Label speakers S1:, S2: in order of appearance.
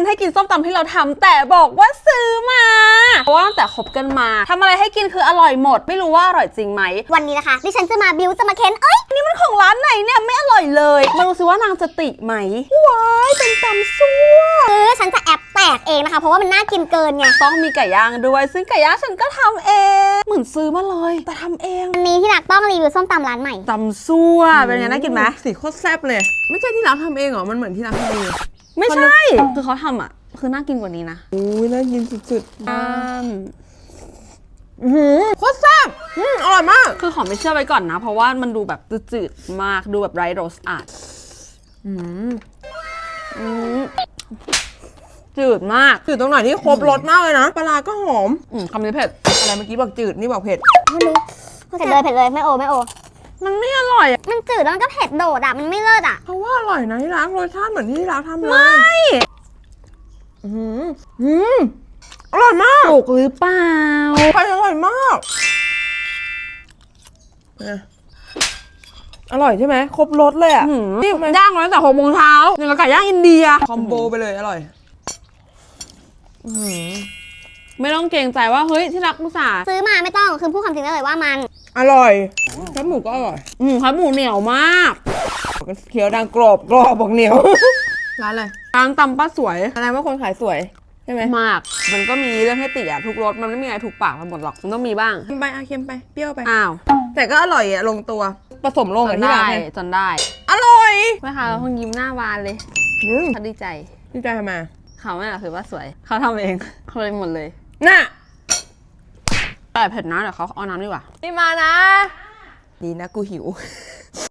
S1: ให้กินส้มตำที่เราทำแต่บอกว่าซื้อมาเพราะว่าตั้งแต่คบกันมาทำอะไรให้กินคืออร่อยหมดไม่รู้ว่าอร่อยจริงไหม
S2: วันนี้นะคะดิฉันจะมาบิวจะมาเค้น
S1: นี่มันของร้านไหนเนี่ยไม่อร่อยเลยมาดูซิว่านางจะติไหมว้ายเป็นตำซั่ว
S2: ฉันจะแอบแตกเองนะคะเพราะว่ามันน่ากินเกินไง
S1: ต้องมีไก่ย่างด้วยซึ่งไก่ย่างฉันก็ทำเองเหมือนซื้อมาเลยแต่ทำเอง
S2: วันนี้ที่รักต้องรีวิวส้มตำร้านใหม่
S1: ตำซั่วเป็นไงน่ากินไหม
S3: สีโคตรแซ่บเลยไม่ใช่ที่ร้านทำเองเหรอมันเหมือนที่ร้านทำเอง
S1: ไม่ใช่คือเขาทำอ่ะคือน่ากินกว่านี้นะ
S3: อุ้ยน่ากินสุดๆโคตรแซ่บอร่อยมาก
S1: คือขอไม่เชื่อไว้ก่อนนะเพราะว่ามันดูแบบจืดๆมากดูแบบไร้รสอาดจืดมาก
S3: จืดตรงไหนที่ครบรสมากเลยนะปลาก็หอม
S1: คำนี้เผ็ด
S3: อะไรเมื่อกี้บอกจืดนี่บอกเผ็ด
S2: ไม่รู้เผ็ดเลยไม่โอ
S1: มันไม่อร่อยอ่ะ
S2: มันจืดแล้วมันก็เผ็ดโดดอ่ะมันไม่เลิศอ่ะ
S3: เพราะว่าอร่อยนะที่ร้านรสชาติเหมือนที่ร้านทำเลย
S1: ไม่
S3: อร่อยมาก
S1: ถูกหรือเปล่า
S3: ไปอร่อยมากอร่อยใช่ไหมครบรสเลยอ่ะ
S1: นี่ย่างมาตั้งแต่6 โมงเช้าอย่างกับไก่ย่างอินเดีย
S3: คอมโบไปเลยอร่อย
S1: ไม่ต้องเกรงใจว่าเฮ้ยที่รักอุตส่าห์
S2: ซื้อมาไม่ต้องคือพูดความจริงได้เลยว่ามัน
S3: อร่อยแคบหมูก็อร่อย
S1: ครับหมูเหนียวมาก
S3: เคี้ยวดังกรอบบอกเหนียวร้านอะไร
S1: ร้านตำป้าสวย
S3: แสดงว่าคนขายสวยใช่ไหม
S1: มากมันก็มีเรื่องให้ติอ่ะทุกรสมันไม่มีอะไรถูกปากกันหมดหรอกมันต้องมีบ้าง
S3: เค็มไปเค็มไปเปรี้ยวไป
S1: อ้าว
S3: แต่ก็อร่อยอ่ะลงตัวผสมลงกับที่ร้าน
S1: จนได้
S3: อร่อย
S1: แม่ค้าเราคงยิ้มหน้าบานเลยเขาดีใจ
S3: ทำไม
S1: เขาไม่หรอกคือว่าสวยเขาทำเองเขาเลยหมดเลย
S3: น่ะ
S1: แต่เผ็ดนะเดี๋ยวเขาเอาน้ำดีกว่า
S3: นี่มานะดีนะกูหิว